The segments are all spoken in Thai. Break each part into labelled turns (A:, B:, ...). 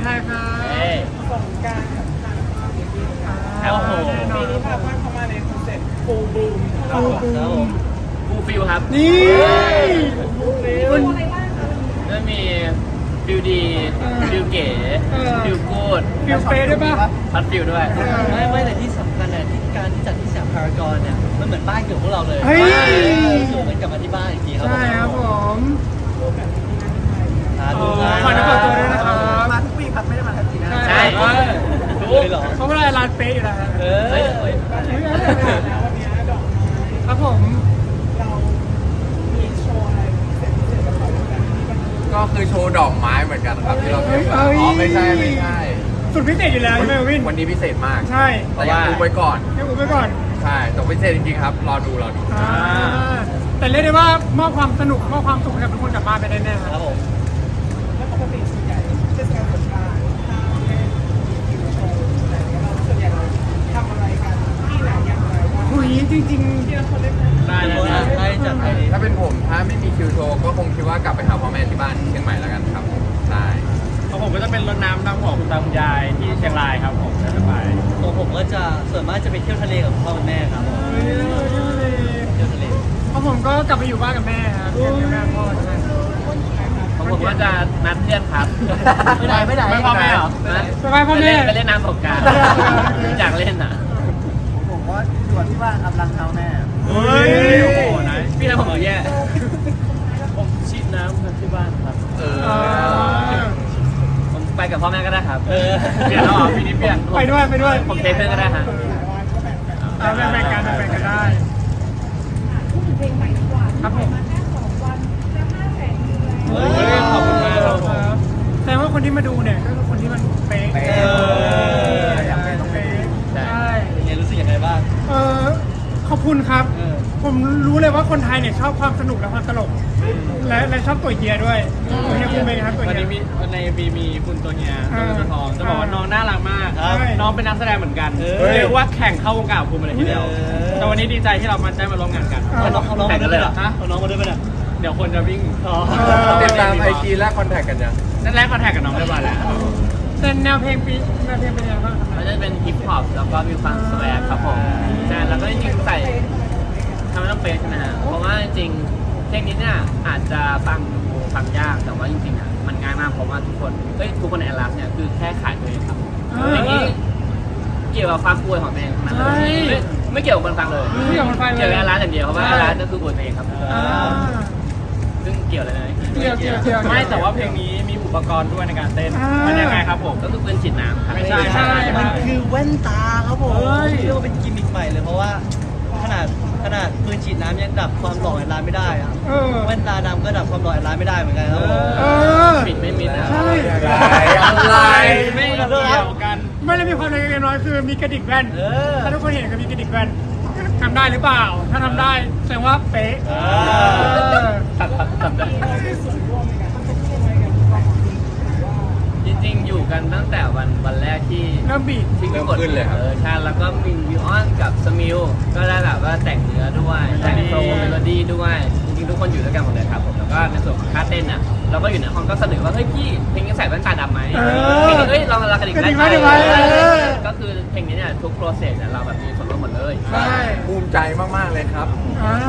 A: ไทยครับ
B: สงกรานต์กับทางความดีค่ะ
C: โอ้โห
B: ปีนี้พาเพื่อนเข้ามาในคอนเซ็ปต์ฟูลบลูม
C: ครับผมฟูลฟิลครับ
A: นี่
B: คุณอะไรบ้างคะ
C: ก็มีฟิลดีฟิลเก๋ฟิลกูด
A: ฟิลเฟสด้วยป่ะ
C: พัดฟิลด้วย
D: ไม่แต่ที่สำคัญเนี่ยที่การที่จัดที่สยามพารากอนเนี่ยมันเหมือนบ้านเกิดพวกเราเลย
A: เฮ้ย
D: รู้สึกเหมือนกลับมาที่บ้านอีกทีครับ
A: ใช่ครับผม
D: สาธุ
A: ขอนับตัวด้วยนะครับ
B: มาทุกปีครับไม่ได้มาทันทีนะ
C: ใช่
D: รู้เลยเหรอ
A: เขาไม่ได้ร้านเป๊ะอยู่แล้วครับ
C: เฮ้ย
B: แล้ววันนี้ดอกไม้
A: ครับผม
B: เรามีโชว์อะไรพิเศษกับเขาด้วยกันที่มัน
E: ก็คือโชว์ดอกไม้เหมือนกันครับที่เราเตรียมมา
A: เฮ้ย
E: อ๋อไม่ใช่ไม่ใช่
A: สุดพิเศษอยู่แล้วใช่ไหมวิน
E: วันนี้พิเศษมาก
A: ใช่
E: แต่อยากดูไปก่อน
A: ให้อุ้มไปก่อน
E: ใช่แต่พิเศษจริงๆครับ รอดู
A: แต่เรียกได้ว่ามอบความสนุกมอบความสุขให้กับทุกคนกลับบ้านไปได้แน่ค
D: ครั
A: รับบ
D: ผม
B: แล้วปกติส่วนใหญ่เทศกาลสงกรานต์ถ้าเล่นกินโชว์อะไรเงี้ยเราส่วนใหญ่เราทำอะไรกันที่ไหนอย่างไรบ้าง
A: หุยจริง
B: ที่เราคนเล่นนะ
C: ได้ได้
D: ได้จัดไป
E: ถ้าเป็นผมถ้าไม่มีคิวโชว์ก็คงคิดว่ากลับไปหาพ่อแม่ที่บ้านเชียงใหม่แล้วกันครับใช่
C: ของผมก็จะเป็นรถน้ำดำหัวคุณตาคุณยายที่เชียงรายครับผมจะไป
D: ตัวผมก็จะส่วนมากจะไปเที่ยวทะเลกับพ่อกับแม่ครับผม
A: ๆเฮ้ย
D: เที่ยวทะเล
A: เพราะผมก็กลับไปอยู่บ้านกับแม่ครับเกับแม่พ่อใช่
C: ของผมก็จะนัดเพื่อนครับ
D: ไม่ได้ไม่ได้
C: ไม่พ่อแม่เหรอ
A: ไปบ้านพ่อแม่
C: ไปเล่นน้ำสงกรารอยากเล่นอ่ะ
D: ผมก็อยู่ที่บ้านครับรังเท้าแม่
C: เฮ้ยโอ้โหนะพี่นะผมแย่ผมชิดน้ำที่บ้านครับ
E: เออ
C: ผมไปกับพ่อแม่ก็ได้ครับเปลี่ยนแล้วเหรอปีนี้เปลี่ยน
A: ไปด้วยไปด้วย
C: ผมเทเพื่อนก็ได้ฮะ
A: แบ่งกันแบ่งกันได้
B: พูดถึงเพลงใหม่ดีกว่า
A: ครับผม
B: มาแค่2 วันจะ500,000วิวแล้ว
C: เฮ้ยขอบคุณมากครับผม
A: แต่ว่าคนที่มาดูเนี่ยก็คือคนที่มันเป๊ะ
D: อยากเป็น
A: เป๊ะใช่
D: ยังไงรู้สึกยังไงบ้าง
A: เออขอบคุณครับ ผมรู้เลยว่าคนไทยเนี่ยชอบความสนุกและความตลก และชอบตัวเฮียด้วยตัวเฮียคุณเป็นไงครับตัว
C: วัน
A: เฮีย
C: นี้ในบีมีคุณตัวเนี้ย
A: อ่า
C: ตัวทองจะบอกว่าน้องน่ารักมาก
A: ครับ
C: น้องเป็นนักแสดงเหมือนกัน
D: เฮ้ย
C: เรียกว่าแข่งเข้าวงการกับภูมิเลยทีเดียว
D: เออ
C: แต่วันนี้ดีใจที่เราได้มาร่วมงานกัน
D: เอาน้องเอาน้อง
C: แข่
D: มาง ด้
C: กั
D: วน ย
C: เลย
D: ไหม
C: เหรอฮะ
D: เอาน้องมาด้วยไหมเนี่ย
C: เดี๋ยวคนจะวิ่ง
E: ติดตามไอจีและคอนแทคกันยัง
C: นั่นแรกคอนแทคกับน้องเรียบร้อยแล้ว
A: แต่แนวเพลงเป็นยังไงบ้างครับ
C: มันจะเป็นฮิปฮอปแล้วก็มีความสแวร์ครับผมใช่แล้วก็จริงๆใส่ทำให้ต้องเป๊ะใช่ไหมฮะเพราะว่าจริงๆเพลงนี้เนี่ยอาจจะฟังยากแต่ว่าจริงๆอ่ะมันง่ายมากเพราะว่าทุกคนในแอลลัสเนี่ยคือแค่ขายตัวเองครับเพลงนี้เกี่ยวกับความป่วยของตัวเองทั้งนั้นเลยไม่เกี่ยวกับคนฟังเลย
A: ไม่อยากมันไปเลย
C: เกี่ยวกับแอลลัสอย่างเดียวเพราะว่าแอลลัสก็คือป่วยตัวเองครับ
A: อ่า
C: ซึ่งเกี่ยวอะไรไหม
A: เกี่ยว
C: ไม่แต่ว่าเพลงนี้มีอุปกรณ์ด้วยในการเต้น
A: อ่ามั
C: มันยังไงครับผมก็คือปืนฉีดน้ำครับ
A: ไม่ใช่
D: มันคือแว่นตาครับผม
A: เฮ้ย
D: เรียกว่าเป็นกิมมิคใหม่เลยเพราะว่าขนาดปืนฉีดน้ำยังดับความหล่อไอ้ร้านไม่ได้อะ
A: เออ
D: แว่นตาดำก็ดับความหล่อไอ้ร้านไม่ได้เหมือนกันครับผม
A: เออ
C: ปิดไม่มิดนะ
A: ใช่
E: อะไร
C: ไม่เกี่ยวกัน
A: ไม่ได้มีความเล็กๆน้อยๆคือมีกระดิกแว่น
D: เออ
A: ถ้าทุกคนเห็นก็มีกระดิกแว่นทำได้หรือเปล่า ถ้าทำได้แสดงว่าเป๊ะ
D: เออ
C: ตัดได้
B: มีส่วนร่วมในการทำอะไรกันบ้าง
C: จริงๆอยู่กันตั้งแต่วันแรกที่
A: เริ่มบีบ
C: ที่
E: เริ่มขึ้นเลยครับ
C: ใช่แล้วก็มีวิวออนกับสมิลก็ได้แบบว่าแต่งเนื้อด้วยแต่งโฟล์เมโลดี้ด้วยจริงๆทุกคนอยู่ด้วยกันหมดเลยครับผมแล้วก็ในส่วนของท่าเต้นอ่ะเราก็อยู่ในห้องก็เสนอว่าเฮ้ยพี่เพลงนี้ใส่แว่นตาดำไหมเพลงนี้เฮ้ยลองกระดิก
A: กระดิก
C: ได้
A: ได้ไหม
C: ก็คือเพลงนี้เนี่ยทุกโปรเซสเนี่ยเราแบบมีส่วนร่วมหมดเลย
A: ใช่
E: ภูมิใจมากๆเลยครับ
A: อ่า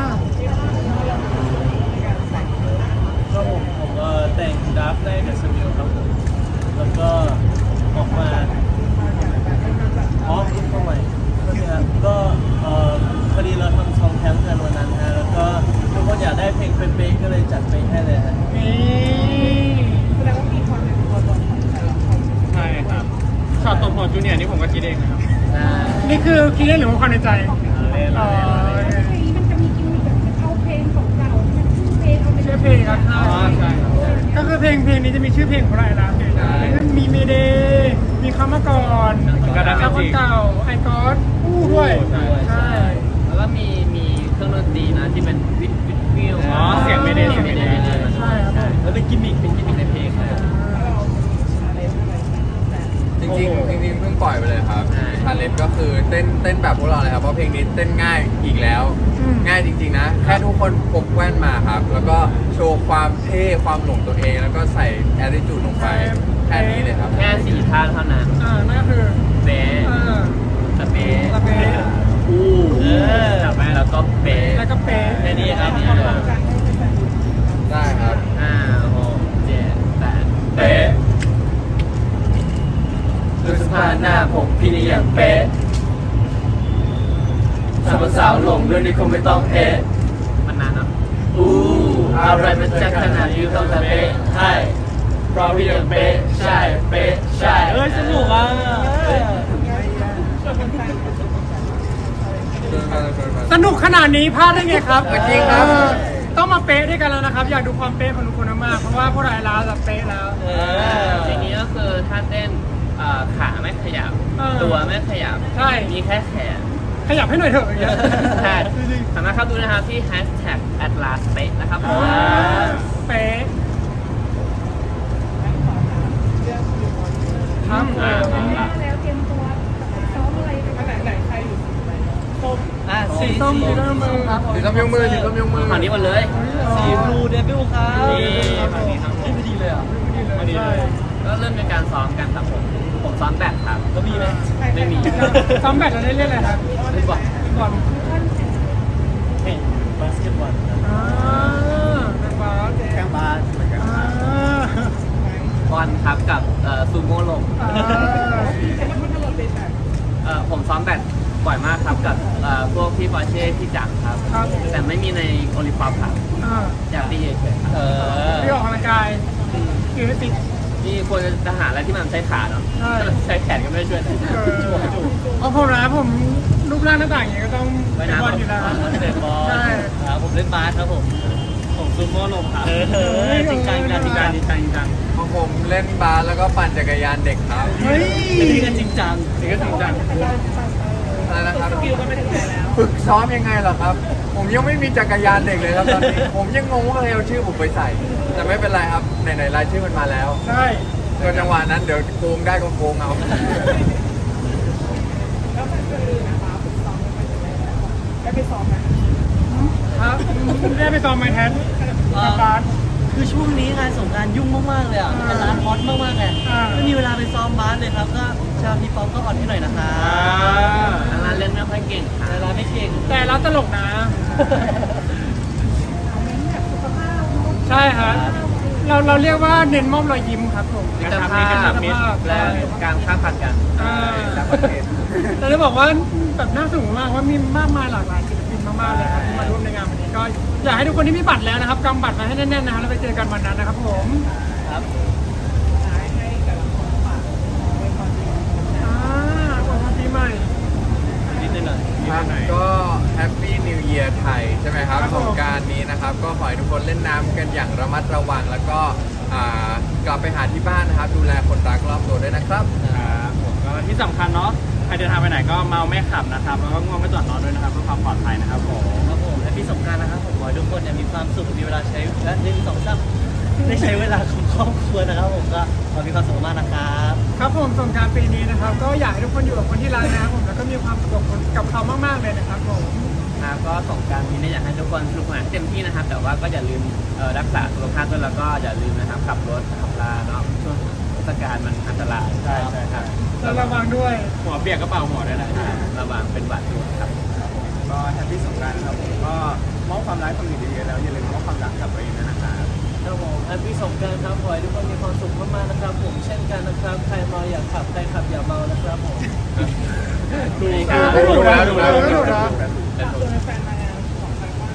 C: ก็ผมก็แต่งดับได้กับสมิลครับผมแล้วก็ออกมาอ๋อคุณเข้าใหม่ก็พอดีเราทำซองแคมป์กันวันนั้นฮะแล้วก็ทุกคนอยากได้เพลงเป๊ะๆก็เลยจัดไปให้เลยฮะ
A: นี่
B: แสดงว่ามีความเป็นตัวตนของแต่ละคน
C: ใช่ครับช็อตตบหัวจูเนียร์นี่ผมก็คิดเองนะครับ
A: นี่คือคิดได้หรือว่าความในใจ
C: เล่น
A: อ๋อ
B: เพลงนี้มันจะมีกิมมิคแบบเอาเพลงของเก่าที่มันชื่อเพลงเอาไป
A: ชื่อเพลงครับ
C: อ๋อใช่ครับ
A: ก็คือเพลงนี้จะมีชื่อเพลงของเราแล้วมีเมเดย์มีคำมาก่อน
C: ก็ได้
A: คำ
C: จ
A: ว่า
C: ริง
A: เก่าไอคอสคู่ด้วย ใช่
C: แล้วก็มีเครื่องดนตรีนะที่เป็นวิดฟิล
D: อ๋อเสียงไม่ได้
A: ใช่ครับผม
D: แล้วเป็นกิมมิค
C: เป็นกิมมิคในเพลงครับ
E: จริงๆเพิ่งปล่อยไปเลยครับชาเลนจ์ก็คือเต้นแบบพวกเราเลยครับเพราะเพลงนี้เต้นง่ายอีกแล้ว ง่ายจริงๆนะ แค่ทุกคนพกแว่นมาครับ แล้วก็โชว์ความเท่ความหลงตัวเอง แล้วก็ใส่ attitude ลงไปแค่นี้เลยครับ
C: แค่4ท่าเท่านั้น
A: นั่นก็คือ
C: เป๊ะ สเปะ
A: สเปะ
C: อู้จับไปแล้วก็เป๊ะ
A: แล้วก็เป๊ะ
D: แค่นี้ครับ
E: ได้ครับ
C: 5 6 7 8เป๊ะดูสภาพหน้าผมพี่นี่ยังเป๊ะทำสาวหลงด้วยนี่คงไม่ต้องเอ๊ะมันนานเนาะอะไรมันจะขนาดนี้ต้องจะเป๊ะใช่เพราะพี่ยังเป๊ะใช่เป๊ะใช่
D: เอ้ยสนุกอ่ะ
A: สนุกขนาดนี้พลาดได้ไงครับ
E: จริงครับ
A: ต้องมาเป๊ะด้วยกันแล้วนะครับ อยากดูความเป๊ะของทุกคนมากๆเพราะว่าพวกเราไอ้ลาแบบเป๊ะแล้ว
C: อย่างนี้ก็คือถ้าเต้นขาไม่ขยับ ตัวไม่ขยับ
A: ใช่
C: มีแค่แขน
A: ขยับให้หน่อยเถอะอย่างเงี้ย
C: ใช่สามารถเข้าดูนะครับที่ #atlas เป๊ะนะครับผม
A: เป๊ะครับ
F: แล้วเตรียมตัวซ้อมอะไรกัน
B: ไหนใครอยู่ส้ม
D: อ่ะสี
A: ส้มสีส้มมือครับ
E: ถือส้มยกมือถือส้มยกมือ
C: ฝั่งนี้หมดเลย
D: สีบลูเดบิวครับ
C: นี่ฝั่งนี้ครับผม
D: ไม่ดีเลยอ่ะ
A: ใช่
C: ก็เริ่มเป็นการซ้อมกันครับผมซ้อมแบดครับ
D: ก็มีไหม
C: ไม่มี
A: ซ้อมแบตเราได้เล่นอะไรครับ
C: เล่นบอล
A: บอล
D: เฮ้ยบาสเกตบอลครับ
A: เป็นบาส
D: แข่งบาสเหมือนกัน
C: บอลครับกับซูโม่ลง ผมซ้อมแบดบ่อยมากครับกับพวกพี่ปอร์เช่พี่จักรครับ
A: ครับ
C: แต่ไม่มีในโอลิมปิกครับอยากตีเฉยๆครับ
A: ที่ออกกำลังกายคือติด
C: นี่ควรจะหาอะไรที่มันใช้ขาเนาะ
A: ใช่
C: ใช้แขนก็ไม่ได้ช่วย
A: เพราะผมนะผมรูปร่างหน้าต่างอย่างเงี้ยก็ต้องเป็นบอลอยู่แล้ว
D: เตะบอล
A: ใช่
D: ครับผมเล่นบาสครับผมผมซูโม่ลมครับจริงจังจริงจัง
C: จริงจังจริงจัง
E: ของผมเล่นบาสแล้วก็ปั่นจักรยานเด็กครับ
A: เฮ้ย
D: นี่ก็จริงจัง
C: นี่ก็จริงจัง
E: อะไรนะครับ
B: คิวก็ไม่ถึงไหนแล้ว
E: ฝึกซ้อมยังไงเหรอครับ ผมยังไม่มีจักรยานเด็กเลยครับตอนนี้ ผมยังงงว่าใครเอาชื่อผมไปใส่ แต่ไม่เป็นไรครับไหนๆรายชื่อมันมาแล้ว
A: ใช่
E: ก็จังหวะนั้นเดี๋ยวโกงได้ก็โกงเอา
B: แล้วมันคือนะคะฝึกซ้อมกันไปถึงไหนแล้วได้ไปซ้อมไหม
A: ครับได้ไปซ้อมไมแทนกับบาส
D: คือช่วงนี้งานสงกรารยุ่งมากๆเลยอ่ะเป็นร้านฮอตมากๆไง
A: อ่า
D: ไม่มีเวลาไปซ้อมบาสเลยครับก็ชาวพี่ป๊อปก็ออนให้หน่อยนะคะ
C: ร้านเล่นไม่ค่อยเก่งครั
D: แต่
C: บ
D: ร้านไม่เก่ง
A: แต่เราตลกนะ ใช่ครับเราเรียกว่าเน้นมอบรอยยิ้มครับผม
C: มิตรภาพและการค้าพันกัน
A: แต่จะบอกว่าแบบน่าสนุกมากว่ามีมากมายหลากหลายศิลปินมากๆเลยครับที่มาร่วมในงานวันนี้ก็อยากให้ทุกคนที่มีบัตรแล้วนะครับกำบัตรมาให้แน่นๆนะครับแล้วไปเจอกันวันนั้นนะครับผม
D: ครับ
B: ให้แต่ละคนฝากไว้ก่อน
A: วันปีใหม่
D: นิดหน่อย
E: ครับก็แฮปปี้นิวเ a ียร์ไทยใช่ไหมครับ
A: ครับผม
E: สงกรารนี้นะครับ ก็ขอให้ทุกคนเล่นน้ำกันอย่างระมัดระวัง แล้วก็กลับไปหาที่บ้านนะครับ ดูแลคนรักรอบตัวด้วยนะครับ
G: ครับผมก็ที่สำคัญเนาะใครเดินทางไปไหนก็เมาไม่ขับนะครับแล้วก็ง่วงไม่จอดนอนด้วยนะครับเพื่อความปลอดภัยนะครับผม
D: ครับผมและพี่สงกรารนะครับผมขอให้ทุกคนเนี่ยมีความสุขมีเวลาใช้และได้ใช้เวลาของครอบครัวนะครับผมก็ขอมีความสุขมากนะครับ
A: ครับผมสงกรารปีนี้นะครับ ก็อยากให้ทุกคนอยู่กับคนที่รักนะครับผมแล้วก็มีความสุขกับเขามากๆเลยนะครับผม
C: ครับก็สงกรารนี้เนี่ยอยากให้ทุกคนสนุกสนานเต็มที่นะครับ แต่ว่าก็อย่าลืมรักษาสุขภาพด้วยแล้วก็อย่าลืมนะครับขับรถขับลาเนาะช่วงเทศกาลมันอันตราย
G: ใช่ใช่ครับ
A: แล้วระวังด้วย
G: หัวเปียกกระเป๋าหัวด้วยนะครับ
C: ระวังเป็นหวัดด้วยครับ
G: ก็แฮปปี้สงกรานต์ครับผมก็มอบความรักความดีเยอะๆแล้วอย่าลืมมอบความรักกับตัวเองด้วยนะครับ
D: ครับผมแฮปปี้สงกรานต์ครับขอให้ทุกคนมีความสุขมากๆนะครับผมเช่นกันนะครับใครเมาอย่าขับใครขับอย่าเมานะครับผม
G: ดู
A: ดูแล้วดูแล้วดูแล้ว
B: ตัวแฟนมางานของทางบ้าน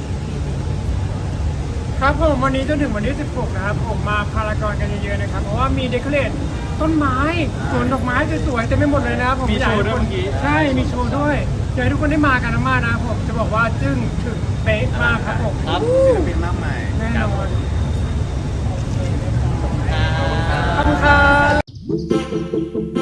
A: ครับผมวันนี้จนถึงวันที่ 16 นะครับผมมาพารากอนกันเยอะๆนะครับเพราะว่ามีเดคอเรทต้นไม้สวนดอกไม้สวยๆเต็มไปหมดเลยนะครับผม
G: มีโชว์ด้วยเมื่อกี้
A: ใช่มีโชว์ด้วยอยากให้ทุกคนได้มากันมากๆนะครับผมจะบอกว่าจึ้งถึงเป๊ะมากครับผม
D: ครับ
G: ศิลปินมากมาย
A: แน่นอน
D: ครับ
A: ขอบคุณครับ